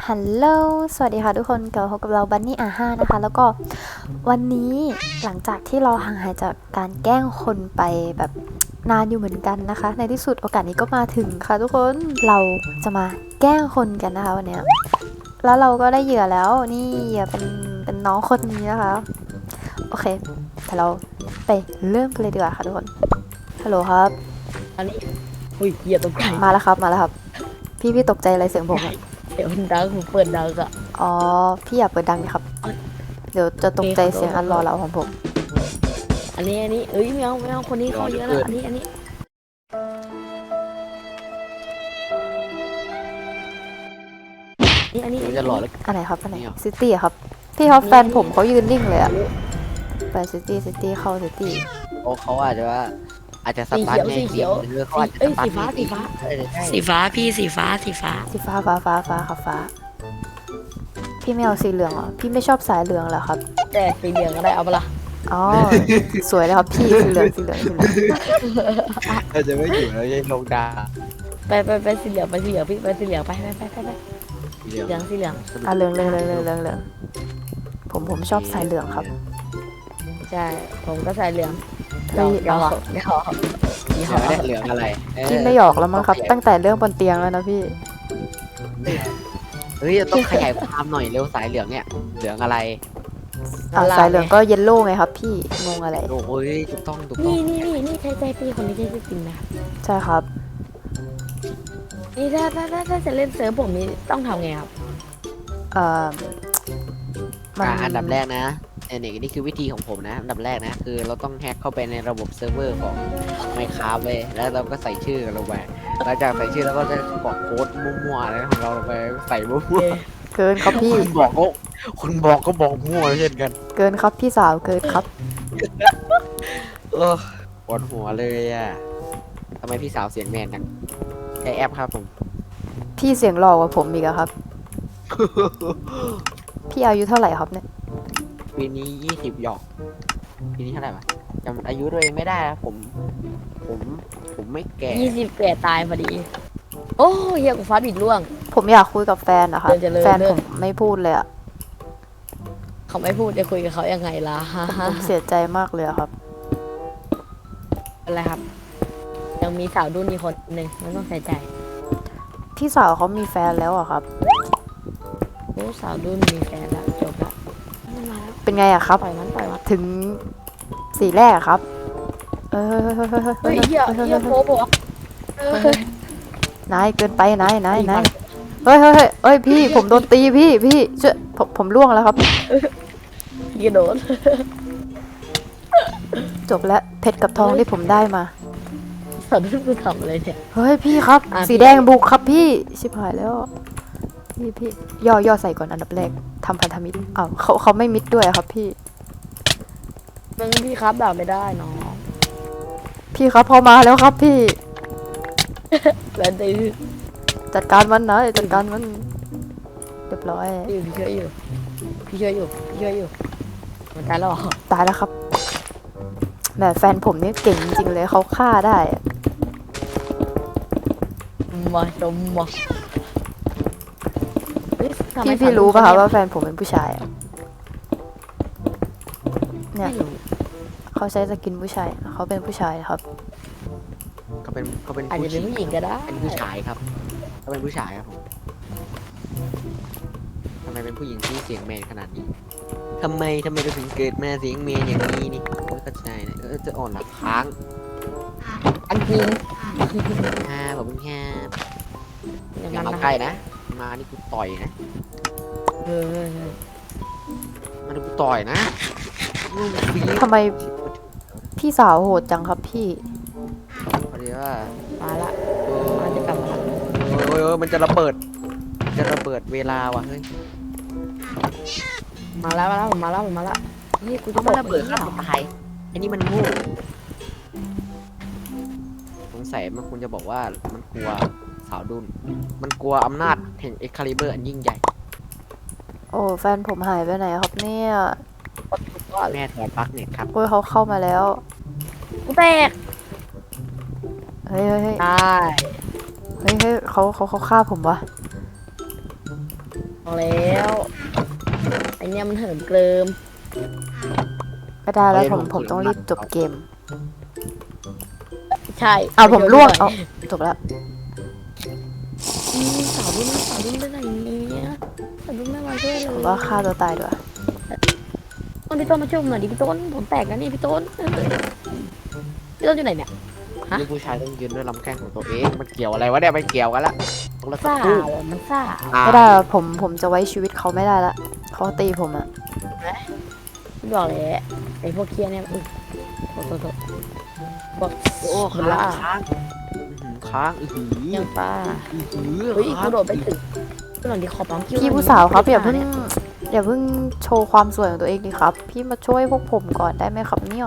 ฮัลโหลสวัสดีค่ะทุกคนกลับมาพบกับเราบันนี่อาห้านะคะแล้วก็วันนี้หลังจากที่เราห่างหายจากการแกล้งคนไปแบบนานอยู่เหมือนกันนะคะในที่สุดโอกาสนี้ก็มาถึงค่ะทุกคนเราจะมาแกล้งคนกันนะคะวันนี้แล้วเราก็ได้เหยื่อแล้วนี่เหยื่อเป็นน้องคนนี้นะคะโอเคแต่เราไปเริ่มกันเลยดีกว่าค่ะทุกคนฮัลโหลครับอันนี้อุ้ยเหยียบตกใจมาแล้วครับพี่ตกใจอะไรเสียงผมอะเดี๋ยวมันดังผมเปิดดังอะอ๋อพี่อย่าเปิดดังนะครับ เดี๋ยวจะตกใจเสียงอันรอเราของผมอันนี้เอ้ยไม่เอาคนนี้เขาเยอะแล้วอันนี้จะหล่อแล้วอันไหนครับอันไหนนี่เหรอซิตี้ครับ พี่ครับแฟนผมเขายืนนิ่งเลยอะไปซิตี้เข้าซิตี้โอ้เขาอาจจะว่าอาจจะสสีตาร์เขียวทสีเขียวหรือเขาอาจจะเอ้ยสตาสีร์ทฟ้าในสีฟ้าใช่สีฟ้าพี่สีฟ้าสีฟ้าครับพี่ไม่เอาสีเหลืองเหรอ พี่ไม่ชอบสายเหลืองเหรอครับแต่สีเหลืองก็ได้เอาเปล่าอ๋อ สวยเลยครับพี่สีเหลืองเราจะไม่อยู่แล้วยังลงดาไปสีเหลืองพี่ไปสีเหลืองไปเหลืองสีเหลืองอ่ะเหลืองผมชอบสายเหลืองครับใช่ผมก็ใส่เหลืองเฮ้ยยอเหลืองอะไรพี่ไม่หยอกแล้วมั้งครับ ตั้งแต่เรื่องบนเตียงแล้วนะพี่เฮ้ยต้องขยายความหน่อยเร็วสายเหลืองเนี่ยเหลืองอะไรสายเหลืองก็เยลโล่ไงครับพี่ งงอะไรโอ้ยถูกต้องนี่ใช่พี่คนนี้ใช่จริงนะใช่ครับนี่ถ้าจะเล่นเซิร์ฟผมนี่ต้องทำไงครับเอ่อมันอันดับแรกนะนี่คือวิธีของผมนะอันดับแรกนะคือเราต้องแฮ็กเข้าไปในระบบเซิร์ฟเวอร์ของ Minecraft เลยแล้วเราก็ใส่ชื่อกันลงไปหลังจากใส่ชื่อแล้วก็จะกรอกโค้ดมั่วๆอะไรของเราลงไปใส่มั่วเกินครับๆพี่คุณบอกก็บอกมั่วเช่นกันเกินครับพี่สาวเกินครับปวดหัวเลยอ่ะทำไมพี่สาวเสียงแมนจังใช้แอปครับผมพี่เสียงหล่อกว่าผมอีกอะครับ พี่อายุเท่าไหร่ครับเนี่ยปีนี้20หยอกปีนี้เท่าไหร่วะจำอายุตัวเองไม่ได้อะผมไม่แก่ 20 แก่ตายพอดี โอ้ยเฮียกูฟ้าบิดล่วงผมอยากคุยกับแฟนนะคะเจริญแฟนผมไม่พูดเลยอะเขาไม่พูดจะคุยกับเขายังไงล่ะผมเสียใจมากเลยอะครับอะไรครับ ยังมีสาวดุนอีกคนหนึ่งไม่ต้องใส่ใจพี่สาวเขามีแฟนแล้วอะครับโอ้สาวดุนมีแฟนแล้วจบละมันมาแล้วเป็นไงอะครับปล่อยมันถึงสีแรกอะครับ เออเฮ้ยเฮียโป๊บอกนายเกินไปนายเฮ้ยพี่ผมโดนตีพี่ช่วยผมล่วงแล้วครับกระโดดจบแล้วเพชรกับทองที่ผมได้มาสาวดุนกูทำอะไรเนี่ยเฮ้ยพี่ครับอ่ะสีแดงบุกครับพี่ชิบหายแล้วพี่ย่อใส่ก่อนอันดับแรกทำพันธมิตรอ้าวเขาไม่มิดด้วยอะครับพี่มึงพี่ครับด่าไม่ได้น้องพี่ครับพอมาแล้วครับพี่แล้วดื้อจัดการมันนะจัดการมันเรียบร้อยพี่ช่วยอยู่มันตายแล้วเหรอตายแล้วครับแหมแฟนผมนี่เก่งจริงๆเลยเขาฆ่าได้อะมาชมมาเฮ้ยทำไมพี่รู้ป่ะคะว่าแฟนผมเป็นผู้ชายอะเนี่ยไม่รู้เขาใช้สกินผู้ชายเขาเป็นผู้ชายนะครับเขาเป็นอาจจะเป็นผู้หญิงก็ได้เป็นผู้ชายครับเขาเป็นผู้ชายครับผมทำไมเป็นผู้หญิงที่เสียงแมนขนาดนี้ทำไมเราถึงเกิดมาเสียงแมนอย่างนี้นี่ไม่เข้าใจนะจะอ่อนหลักค้างอันจริงผมแค่อย่างอย่านั้นมานะใกล้นะมานี่กูต่อยนะเออมานี่กูต่อยนะลูกฟีทำไมพี่สาวโหดจังครับพี่พอดีว่ามาละเอมาจะกลับมามันจะระเบิดเวลาว่ะเฮ้ยผมมาละนี่กูจะมันระเบิดข้ามตายอันนี้มันโง่สงสัยมันคุณจะบอกว่ามันกลัวสาวดุนมันกลัวอำนาจแห่งเอ็กคาลิเบอร์อันยิ่งใหญ่โอ้แฟนผมหายไปไหนครับเนี่ยแม่ถอดปลั๊กเน็ตครับโอ้ยเขาเข้ามาแล้วกูแตกเฮ้ยตายเขาฆ่าผมวะเอาแล้วไอเนี่ยมันเหิมเกลิมไม่ได้แล้วผมต้องรีบจบเกมใช่เอาผมล่วงเอาเอาจบแล้วสาวรุ่นไปไหนเนี่ยสาวรุ่นไม่มาช่วยเลผมยว่าฆ่าตัวตายด้วยพี่ต้นมาช่วยผมหน่อยดิพี่ต้นผมแตกแล้วนี่พี่ต้นพี่ต้นอยู่ไหนเนี่ย ฮะนี่ผู้ชายต้องยืนด้วยลำแข้งของตัวเองมันเกี่ยวอะไรวะเนี่ยไม่เกี่ยวกันละต้องละซ่าสู้มันซ่าไม่ได้อะผมจะไว้ชีวิตเขาไม่ได้ละเขาตีผมอะพี่บอกเลยไอพวกเคียเนี่ยโทษพวกโอ้คนค้าล่างค้างอื้อหือยังป้าอื้อหือเฮ้ยค้างกระโดดไปถึงพี่หลังดีขอปั๊มคิวพี่ผู้สาวครับอย่าเพิ่งโชว์ความสวยของตัวเองดิครับ พี่มาช่วยพวกผมก่อนได้ไหมครับเนี่ย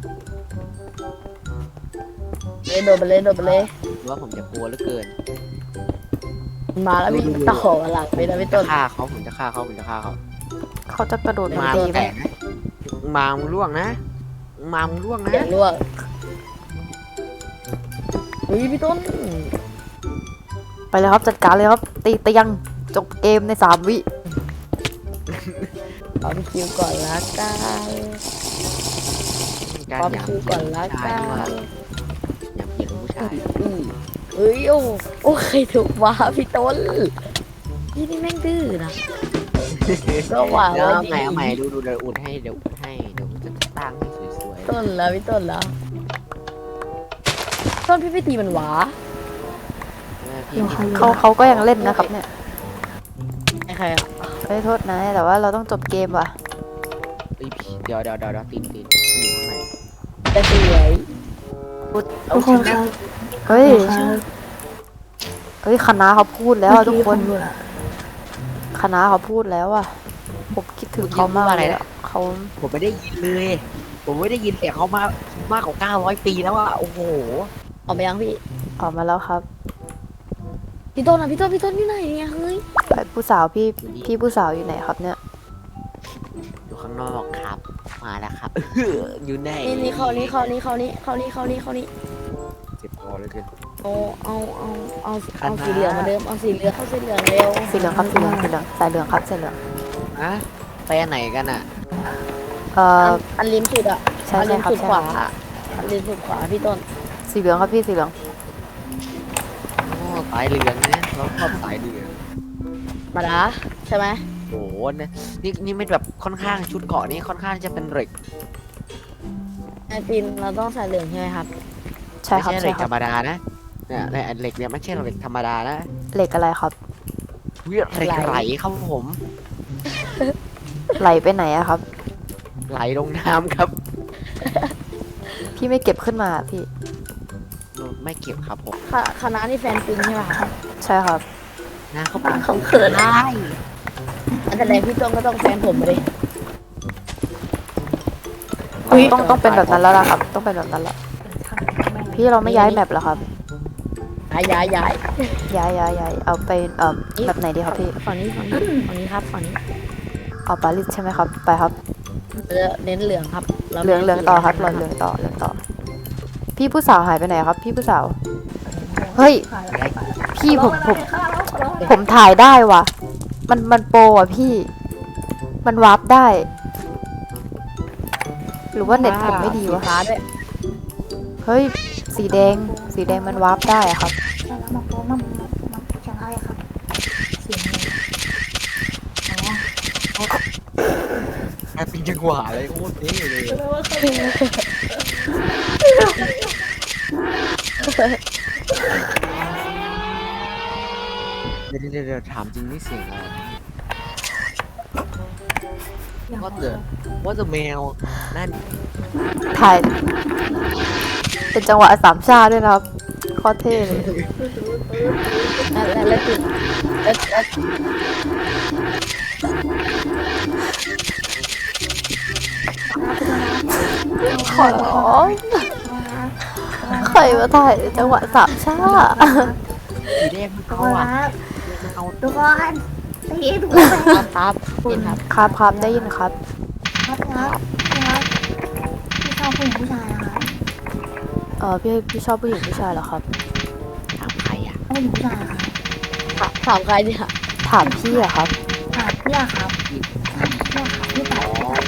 เลยโดดไปเลยว่าผมจะกลัวเหลือเกินมาแล้วพี่ต่อหลังไปนะพี่ต้นฆ่าเขาผมจะฆ่าเขาเขาจะกระโดดมามาตีมึงไหมแตกนะมามึงล่วงนะมามึงล่วงนะเสียงร่วงเฮ้ยพี่ต้นไปเลยครับจัดการเลยครับตีเตียงจบเกมใน3 วิปั๊มคิวก่อนละกันการปั๊มหยามคิวก่อนละกัหยามเกียรติผู้ชายเฮ้ยโอ้ใครถูกว่าพี่ต้นพี่นี่แม่งดื้อนะก็ว่าเดี๋ยวไว้เอาดีใหม่เอาใหม่ดูเดี๋ยวอุดให้เดี๋ยวจะตั้งให้สวยต้นแล้วพี่ต้นแล้วต้นพี่ไปตีมันหวาๆพี่เขาก็ยังเล่นนะครับเนี่ยไอ้ใครอ่ะไม่โทษนะแต่ว่าเราต้องจบเกมว่ะเดี๋ยวตีนอยู่ข้างในแต่สวยทุกคนครับเฮ้ยครับเฮ้ยคณะเขาพูดแล้วอะทุกคนเมื่อผมดูอะคณะเขาพูดแล้วอะผมคิดถึงเขามากเลยอะเขาผมไม่ได้ยินเลย ผมไม่ได้ยินเสียงเขามากกว่า900 ปีแล้วอะโอ้โหออกไปยังพี่ออกมาแล้วครับพี่ต้นอ่ะพี่ต้นอยู่ไหนเนี่ยเฮ้ยไอ้ผู้สาวพี่ผู้สาวอยู่ไหนครับเนี่ยอยู่ข้างนอกครับ มาแล้วครับ อยู่ไหนนี่เขานี่เจ็บคอเลยเกินเอาสีเหลืองมาเดิมเอาสีเหลืองเข้าสีเหลืองเร็วสีเหลืองครับสีเหลืองสายเหลืองครับสายเหลืองอะไปอันไหนกันอะอันริมสุดอ่ะใช่อันริมครับสุดใช่ขวาอันริมสุดขวาพี่ต้นสีเหลืองครับพี่สีเหลืองโอ้สายเหลืองนะเราชอบสายเหลืองมาดาใช่ไหมโอ้โหเนี่ยนี่ไม่แบบค่อนข้างชุดเกาะนี่ค่อนข้างจะเป็นเหล็กไอปินเราต้องใส่เหลืองใช่ไหมครับใช่ไม่ครับใช่เหใช่ล็กคธรัรบรมดานะเนี่ยเหล็กเนี่ยไม่ใช่เหล็กธรรมดานะเหล็กอะไรครับเหล็กไหลครับผมไหลไปไหนอะครับไหลลงน้ำครับพี่ไม่เก็บขึ้นมาพี่ไม่เก็บครับผมคณะนี่แฟนปินใช่ไหมครับใช่ครับนะเขาเป็นเขาเขินได้อันแต่แรกพี่ต้นก็ต้องแฟนผมมาดิต้องเป็นแบบนั้นแล้วล่ะครับ ต้องเป็นแบบนั้นแหละพี่เราไม่ย้ายแมปเหรอครับย้ายย้ายเอาไปแบบไหนดีครับพี่ฝั่งนี้ครับฝั่งนี้เอาปารีสใช่ไหมครับไปครับเน้นเหลืองครับเหลืองต่อครับเหลืองต่อพี่ผู้สาวหายไปไหนครับ พี่ผู้สาวเฮ้ยพี่ผมถ่ายได้ว่ะมันโปรอ่ะพี่มันวาร์ปได้ หรือว่าเน็ตผมไม่ดีวะฟ้าด้วยเฮ้ยสีแดงมันวาร์ปได้อะครับแล้วมาโป๊ะมันจะไล่ครับเสียงอ๋อแค่เป็นจังหวะเลยโคตรเท่เลยเดี๋ยวถามจริงนี่เสียงอะไร ว่าจะแมวนั่นถ่าย เป็นจังหวะสามชาด้วยนะครับโคตรเท่เลยแล้วติดแล้วขอร้องใครมาถ่ายจังหวะสามชาสีแดงมันทุกเอาคนอ่ะครับมันเอาทุกคนตีทุกคนครับปินครับครับได้ยินครับครับพี่ชอบผู้หญิงผู้ชายนะคะพี่ชอบผู้หญิงผู้ชายเหรอครับถามใครอ่ะผู้หญิงผู้ชายค่ะถามใครเนี่ยถามพี่อะครับเนี่ยครับพี่ตอบ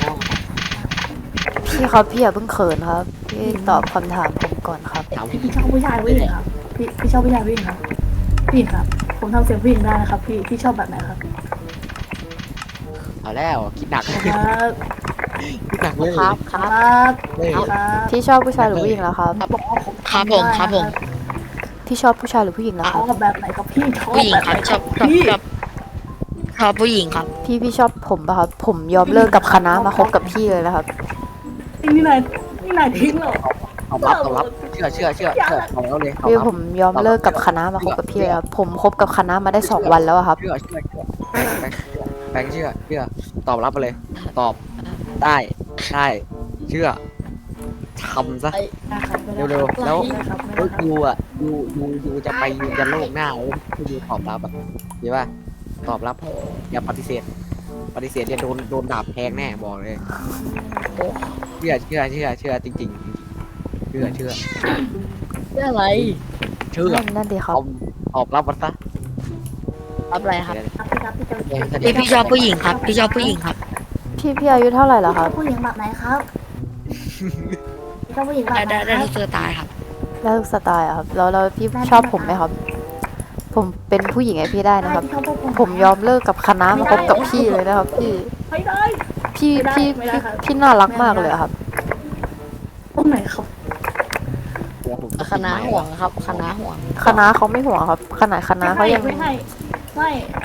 พี่ครับพี่อย่าเพิ่งเขินครับพี่ตอบคำถามผมก่อนครับถามพี่ชอบผู้ชายผู้หญิงครับพี่ชอบผู้ชายผู้หญิงครับผู้หญิงครับผมทำเสียงผู้หญิงได้นะครับพี่ชอบแบบไหนครับเอาแล้วคิดหนักครับคิดหนักเลยครับคครัรบับเลยครับพี่ชอบผู้ชายหรือผู้หญิงแล้วครับบอกว่าผมครับผมครับผมพี่ชอบผู้ชายหรือผู้หญิงแล้วชครัอบบแบบไหนครับพี่ชอบผู้หญิงแบบคไหรันบครับพี่ชอบผู้หญิงครับพี่ชอบผมป่ะครับผมยอมเลิกกับคณะมาคบกับพี่เลยนะครับนี่นายทิ้งเหรอตอบรับเชื่อตอบแล้วเลยตอบพี่รับผมยอมเลิกกับคณะมาคบกับพี่เลยครับผมคบกับคณะมาได้2 วันแล้วอะครับเชื่อแบงค์เชื่อตอบรับไปเลย ตอบได้ใช่เชื่อทำซะ เร็วๆแล้ว แล้วยูอ่ะยูจะไปยูจะโลกหน้าแล้วยูตอบรับอ่ะใช่ป่ะตอบรับอย่าปฏิเสธเนี่ยโดนดาบแทงแน่บอกเลยเชื่อจริงๆเชื่อเรื่องอะไรนั่นดีครับตอบรับมันซะรับอะไรครับเดี๋ยวพี่ชอบผู้หญิงครับพี่ชอบผู้หญิงครับพี่อายุเท่าไหร่แล้วครับผู้หญิงแบบไหนครับชอบผู้หญิงแบบไหนได้ครับทุกตัวตายครับแล้วสไตล์อะครับแล้วพี่ชอบผมไหมครับ ผมเป็นผู้หญิงให้พี่ได้นะครับชอบพวกผมยอมเลิกกับคณะมาคบกับพี่เลยนะครับ พี่ไม่ได้พี่ไม่ได้พี่ไม่ได้ครับพี่น่ารักมากเลยอะครับตรงไหนครับเดี๋ยวผมคณะห่วงครับคณะห่วงคณะเขาไม่ห่วงครับขนาดคณะเขายังไม่ให้ไม่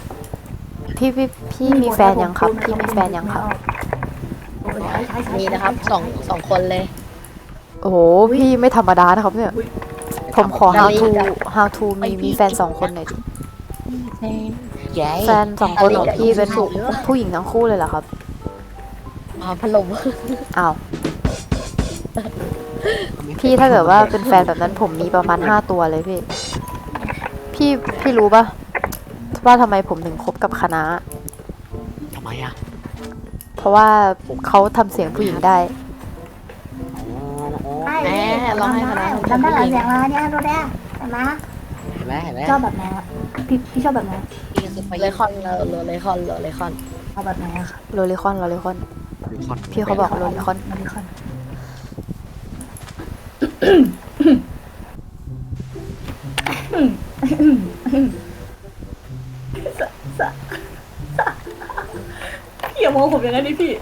พี่มีแฟนยังครับ พี่มีแฟนยังครับมีนะครับสองคนเลยโอ้โหพี่ไม่ธรรมดานะครับเนี่ย ผมขอ how to มีแฟน2 คนหน่อยดิแฟน2 คนของพี่เป็นผู้หญิงทั้งคู่เลยเหรอครับพัดลมอ้าวพี่ถ้าเกิดว่าเป็นแฟนแบบนั้นผมมีประมาณ5 ตัวเลยพี่รู้ปะว่าทำไมผมถึงคบกับคณะทำไมอ่ะเพราะว่าเขาทำเสียงผู้หญิงได้แม่ลองให้คณะจำได้หลายเสียงแล้วเนี่ยดูได้เห็นไหมเห็นไหมชอบแบบไหนอะพี่ชอบแบบไหนเลคอนเลคอนเลคอนเอาแบบไหนอะค่ะโรลิคอนพี่เขาบอกโรลิคอนมาดิคอนพี่อย่ามองผมอย่างนั้นดิพี่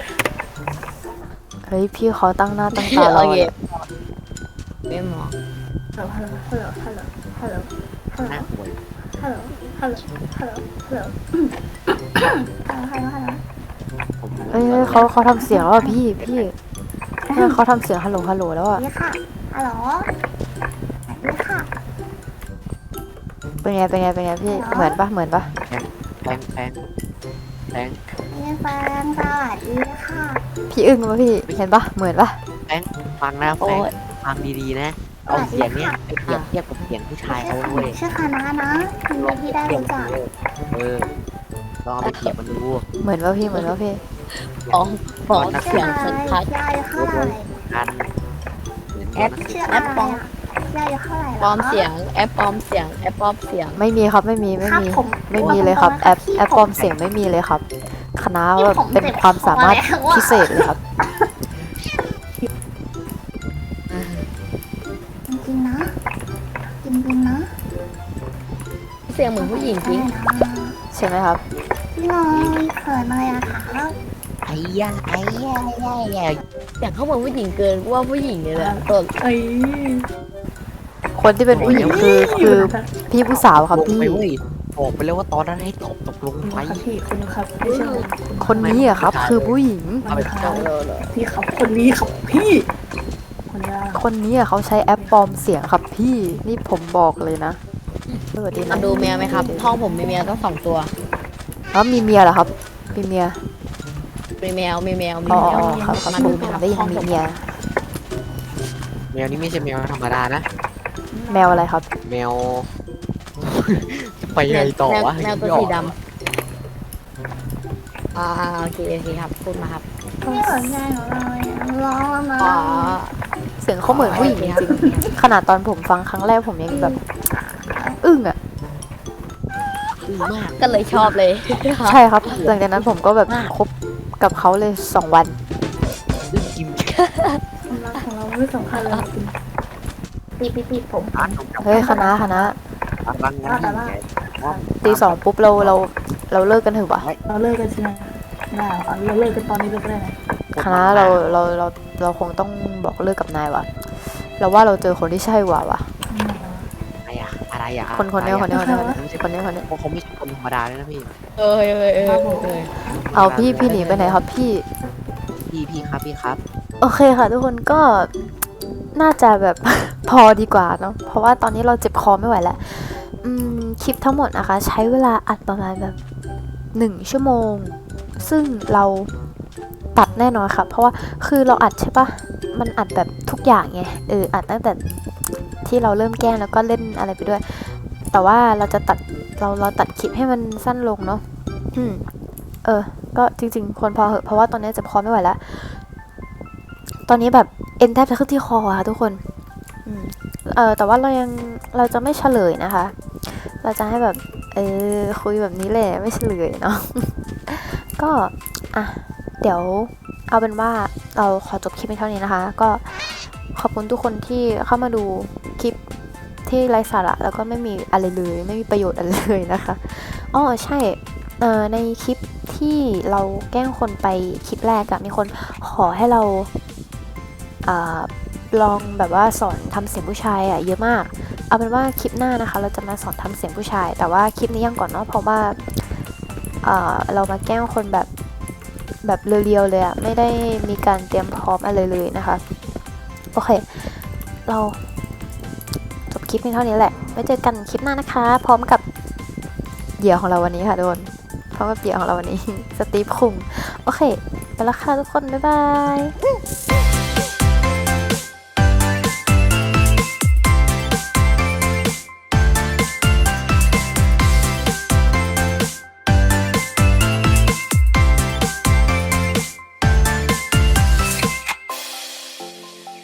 เฮ้ยพี่เขาตั้งหน้าตั้งตารอเลยไม่หมอฮัลโหลฮัลโหลฮัลโหลฮัลโหลหน้าป่วยฮัลโหลฮัลโหลฮัลโหลฮัลโหลฮัลโหลฮัลโหลฮัลโหลผมเอ้ยเขาทำเสียงแล้วอะพี่เนี่ยเขาทำเสียงฮัลโหลแล้วอะนี่ค่ะฮัลโหลนี่ค่ะเป็นไงพี่เหมือนปะแพงนี่แฟนสวัสดีค่ะพี่อึ้งปะพี่เห็นปะเหมือนปะฟังนะแพโอ้งยฟังดีๆนะเอาเสียงเนี้ยไปเปรียบเทียบกับเสียงผู้ชายเขาเว้ยชื่อคณะนะยินดีที่ได้รู้จักลองเอาไปเปรียบมันดูเหมือนปะพี่ของเสียงสันทัดยายเท่าไหร่กันเหมือนแอกันปชื่ออะไรอ่ะยายเท่าไหร่ปลอมเสียงแอปปลอมเสียงแอปปลอมเสียงไม่มีครับไม่มีเลยครับแอปปลอมเสียงไม่มีเลยครับคณะแบบเป็นความสามารถพิเศษเลยครับจริงๆนะจริงๆนะเสียงเหมือนผู้หญิงจริงใช่ไหมครับพี่น้องเขินเลยอะค่ะไอ้ย่าเสียงเขาเหมือนผู้หญิงเกินว่าผู้หญิงเลยแหละต้นเอ้ยคนที่เป็นผู้หญิงคือพี่ผู้สาวครับพี่บอกไปเลยว่าตอนนั้นให้ตกลงไปครับพี่คุณครับไม่ใช่คนนี้อะครับ คือผู้หญิงเอาไปครับพี่ครับคนนี้ครับพี่คนนี้คนนี้อะเขาใช้แอปปลอมเสียงครับพี่นี่ผมบอกเลยนะสวัสดีมานะดูแมวไหมครับห้องผมมีแมวต้อง2 ตัวแล้วมีเมียเหรอครับมีเมียมีแมวอ๋อครับมาผดูมไหมครับได้ยินมีเมียแมวนี่ไม่ใช่แมวธรรมดานะแมวอะไรครับแมว จะไปยังไงต่อวะแมวตัวสีดำโอเคครับพูดมาครับพี่สนใจของเราร้องนะอ๋อเสียงเขาเหมือนผู้หญิงจริงๆขนาดตอนผมฟังครั้งแรกผมยังแบบอึ้งอะอึ้งมากก็เลยชอบเลยใช่ครับ หลังจากนั้นผมก็แบบคบกับเขาเลย2 วันอึ้งกิมความรักของเราไม่สำคัญเลยจริงพี่ผมเฮ้ยคณะบางงานที่ตี 2ปุ๊บเราเลิกกันเถอะวะเราเลิกกันใช่ไหมได้เอาเราเลิกกันตอนนี้เลยก็ได้นะคณะเราคงต้องบอกเลิกกับนายวะเราว่าเราเจอคนที่ใช่วะอะไรอะคนเนี้ยเขาไม่ใช่คนธรรมดาเลยนะพี่เออเอาพี่หนีไปไหนครับพี่พี่ครับโอเคค่ะทุกคนก็น่าจะแบบ พอดีกว่าเนาะเพราะว่าตอนนี้เราเจ็บคอไม่ไหวแล้วคลิปทั้งหมดนะคะ ใช้เวลาอัดประมาณแบบ1 ชั่วโมง ซึ่งเราตัดแน่นอนค่ะ เพราะว่าคือเราอัดใช่ปะมันอัดแบบทุกอย่างไงอัดตั้งแต่ที่เราเริ่มแกล้งแล้วก็เล่นอะไรไปด้วย แต่ว่าเราจะตัดเราตัดคลิปให้มันสั้นลงเนาะก็จริงๆควรพอเหอะเพราะว่าตอนนี้เจ็บคอไม่ไหวแล้ว ตอนนี้แบบเอ็นแทบจะขึ้นที่คอค่ะทุกคนแต่ว่าเราจะไม่เฉลยนะคะ เราจะให้แบบคุยแบบนี้แหละไม่เฉลยเนาะ ก็เดี๋ยวเอาเป็นว่าเราขอจบคลิปเท่านี้นะคะ ก็ขอบคุณทุกคนที่เข้ามาดูคลิปที่ไร้สาระแล้วก็ไม่มีอะไรเลยไม่มีประโยชน์อะไรเลยนะคะอ๋อใช่ในคลิปที่เราแกล้งคนไปคลิปแรกอะมีคนขอให้เราลองแบบว่าสอนทำเสียงผู้ชายเยอะมากเอาเป็นว่าคลิปหน้านะคะเราจะมาสอนทำเสียงผู้ชายแต่ว่าคลิปนี้ยังก่อนเนาะเพราะว่าเรามาแกล้งคนแบบเรียวๆเลยไม่ได้มีการเตรียมพร้อมอะไรเลยนะคะโอเคเราจบคลิปเพียงเท่านี้แหละไว้เจอกันคลิปหน้านะคะพร้อมกับเหยื่อของเราวันนี้ค่ะทุกคนพร้อมกับเหยื่อของเราวันนี้ สตีฟคุงโอเคไปแล้วค่ะทุกคนบ๊ายบาย